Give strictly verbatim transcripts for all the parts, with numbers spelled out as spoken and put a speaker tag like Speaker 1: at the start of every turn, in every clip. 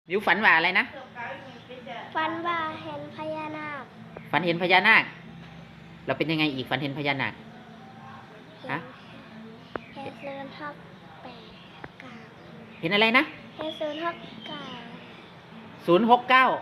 Speaker 1: บิวฝันว่าอะไรนะ
Speaker 2: ฝันว่าเห็นพญานาค
Speaker 1: ฝันเห็นพญานาคเราเป็นยังไงอีกฝันเห็นพญานาคฮะ
Speaker 2: เห็นเดินทักแปดกา
Speaker 1: เห็นอะไรนะ
Speaker 2: เห็นศูนย์ทักกา
Speaker 1: ศูนย์หกเก้า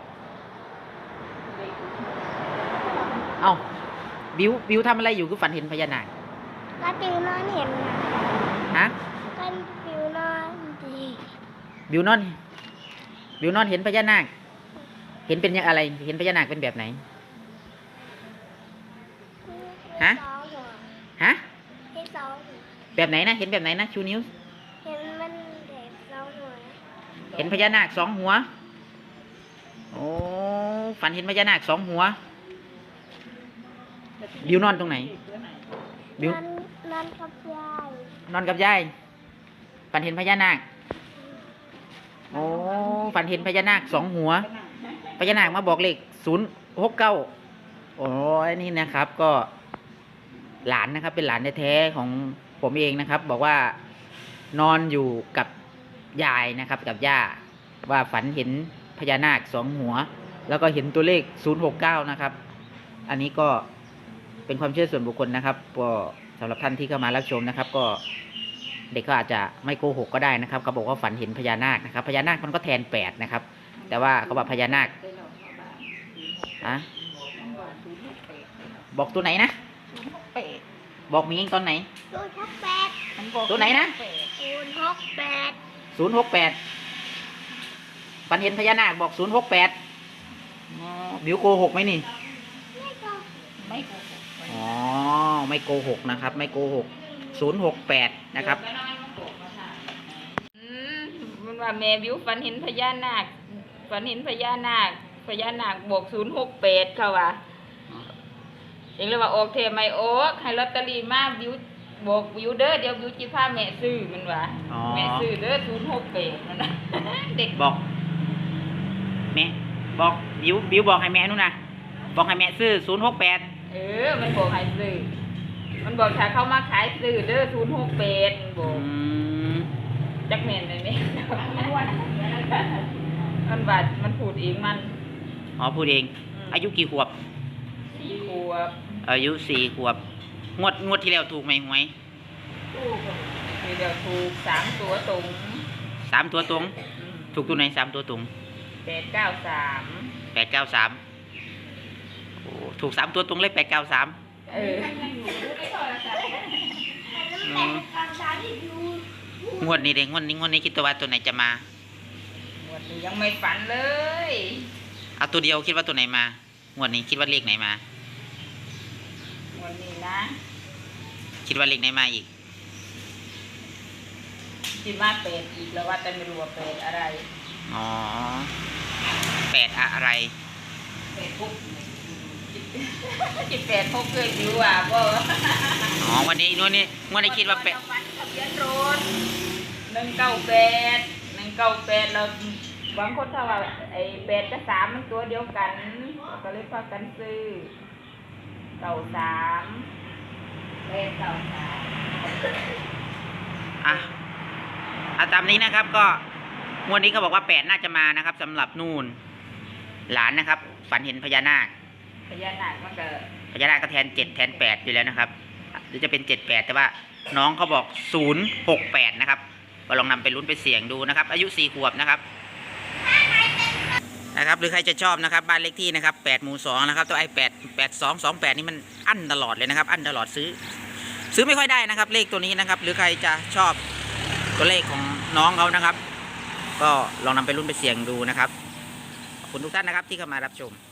Speaker 1: เอ้าบิวบิวทำอะไรอยู่คือฝันเห็นพญานาค
Speaker 2: ก็บิวนอนเห็น
Speaker 1: ฮะ
Speaker 2: ก็บิวนอนดี
Speaker 1: บิวนอนบิวนอนเห็นพญานาคเห็นเป็นยังอะไรเห็นพญานาคเป็นแบบไหนฮะฮะแบบไหนนะเห็นแบบไหนนะชูนิ้ว
Speaker 2: เห็นมันเด็กสองหัว
Speaker 1: เห็นพญานาคสองหัวโอ้ฝันเห็นพญานาคสองหัวบิวนอนตรงไหนบิวน
Speaker 2: อนกับยาย
Speaker 1: นอนกับยายฝันเห็นพญานาคโอ้ฝันเห็นพญานาคสองหัวพญานาคมาบอกเลขศูนย์หกเก้าโอ้ยนี่นะครับก็หลานนะครับเป็นหลานแท้ๆของผมเองนะครับ บอกว่านอนอยู่กับยายนะครับกับย่าว่าฝันเห็นพญานาคสองหัวแล้วก็เห็นตัวเลขศูนย์หกเก้านะครับอันนี้ก็เป็นความเชื่อส่วนบุคคลนะครับก็สำหรับท่านที่เข้ามารับชมนะครับก็เด็กก็อาจจะไม่โกหกก็ได้นะครับเขาบอกว่าฝันเห็นพญานาคนะครับพญานาคมันก็แทนแปดนะครับแต่ว่าเขาบอกพญานาคอะบอกตัวไหนนะบอกมีเองตอนไหน
Speaker 2: ศูนย์หกแปด
Speaker 1: ตัวไหนนะ
Speaker 2: ศูนย์หกแปด
Speaker 1: ศูนย์หกแปดฝันเห็นพญานาคบอกศูนย์หกแปดบิวโกหกไหมนี่
Speaker 2: ไม่โกหกไม่โกหก
Speaker 1: อ๋อไม่โกหกนะครับไม่โกหกศูนย์หกแปดนะครับ
Speaker 3: อืมมันว่าแม่บิวฝันเห็นพญานาคฝันเห็นพญานาคพญานาคบวกศูนย์หกแปดเขาว่าเองเลยว่าออกเทไม่ออกให้ลอตเตอรี่มาบิวบอกบิวเด้อเดี๋ยวบิวจีพาแม่ซื้อมันว่าแม่ซื้อเด้อศูนย์หกแปดมันนะเด็ก
Speaker 1: บอกแม่บอกบิวบิวบอกให้แม่นู่นนะบอกให้แม่ซื้อศูนย์หกแปด
Speaker 3: เออมันบอกให้ซื้อมันบอกถ้าเขามาขายซื้อเด้อศูนย์หกแปดบอกจักแม่นเลยไหมมันบาดมันพูดเองมัน
Speaker 1: อ๋อพูดเองอายุกี่ขวบ
Speaker 3: สี่ขวบ
Speaker 1: อายุสี่ขวบงวดงวดที่แล้วถูกไหมหวย
Speaker 3: ถูกทีเดียวถูกสามตัวตรง
Speaker 1: สามตัวตรงถูกตัวไหนสามตัวตรง
Speaker 3: แปดเก้าสาม
Speaker 1: แปดเก้าสามโอ้ถูกสามตัวตรงเลยแปดเก้าสาม
Speaker 3: เอ
Speaker 1: องวดนี้เด็กงวดนี้งวดนี้คิดว่าตัวไหนจะมาง
Speaker 3: วดนี้ยังไม่ฝันเลย
Speaker 1: เอาตัวเดียวคิดว่าตัวไหนมางวดนี้คิดว่าเลขไหนมาง
Speaker 3: วดนี้นะ
Speaker 1: คิดว่าเลขไหนมาอีก
Speaker 3: คิดว่าเป็ดอีกแล้วว่าแต่ไม่รู้ว่าเป็ดอะไร
Speaker 1: อ๋อแปดอะไร
Speaker 3: เป็ดปุ๊บจิตแปดพกเคยดูอ่ะบ่
Speaker 1: อ๋อวันนี้นู่นนี่วันนี้คิดว่าเป็ด
Speaker 3: ทะเบียนรถหนึ่งเก้าแปดหนึ่งเก้าแปดเราบางคนถ้าว่าไอ้แปดกับสามมันตัวเดียวกันก็เลยพากันซื้อเก้าสามแปดเก้าสาม
Speaker 1: อ่ะเอาตามนี้นะครับก็วันนี้เขาบอกว่าแปดน่าจะมานะครับสำหรับนู่นหลานนะครับฝันเห็นพญานาค
Speaker 3: พญานาคมันก็
Speaker 1: พญานาคก็แทนเจ็ดแทนแปดอยู่แล้วนะครับหรือจะเป็นเจ็ดแปดแต่ว่าน้องเขาบอกศูนย์หกแปดนะครับก็ลองนำไปลุ้นไปเสี่ยงดูนะครับอายุสี่ขวบนะครับนะครับหรือใครจะชอบนะครับบ้านเลขที่นะครับแปดหมู่สองนะครับตัวไอ้แปดแปดสองสองแปดนี่มันอั้นตลอดเลยนะครับอั้นตลอดซื้อซื้อไม่ค่อยได้นะครับเลขตัวนี้นะครับหรือใครจะชอบตัวเลขของน้องเขานะครับก็ลองนำไปลุ้นไปเสี่ยงดูนะครับขอบคุณทุกท่านนะครับที่เข้ามารับชม